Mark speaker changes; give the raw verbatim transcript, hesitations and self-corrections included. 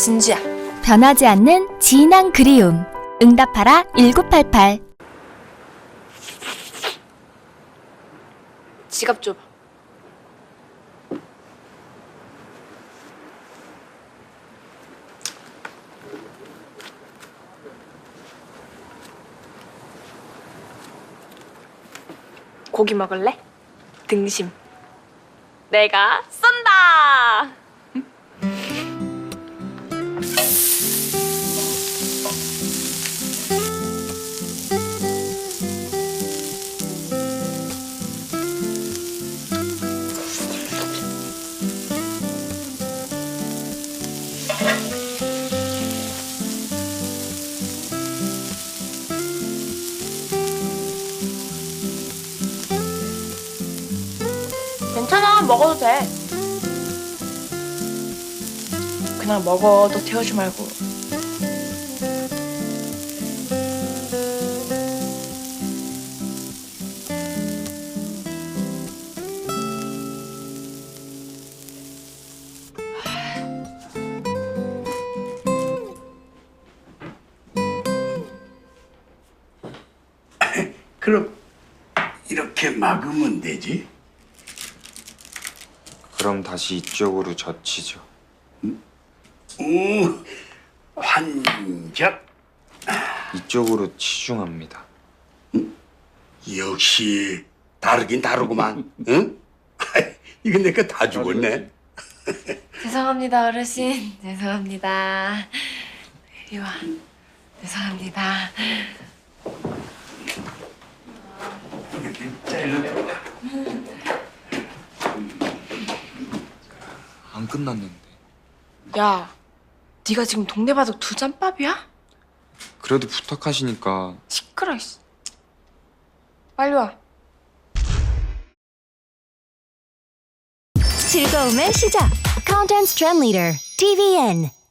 Speaker 1: 진주야.
Speaker 2: 변하지 않는 진한 그리움. 응답하라 일구팔팔.
Speaker 1: 지갑 줘봐. 고기 먹을래? 등심. 내가 쏜다! 괜찮아, 먹어도 돼. 그냥 먹어, 너 태우지 말고.
Speaker 3: 그럼 이렇게 막으면 되지?
Speaker 4: 그럼 다시 이쪽으로 젖히죠.
Speaker 3: 오, 환적.
Speaker 4: 이쪽으로 치중합니다.
Speaker 3: 역시 다르긴 다르구만. 응? 이거 내 거 다 죽었네.
Speaker 1: 죄송합니다, 어르신. 죄송합니다. 이리 와. 죄송합니다.
Speaker 4: 안 끝났는데.
Speaker 1: 야, 네가 지금 동네바둑 두 잔밥이야?
Speaker 4: 그래도 부탁하시니까.
Speaker 1: 시끄러, 이씨. 빨리 와.
Speaker 2: 즐거움의 시작. Content Trend Leader 티비엔.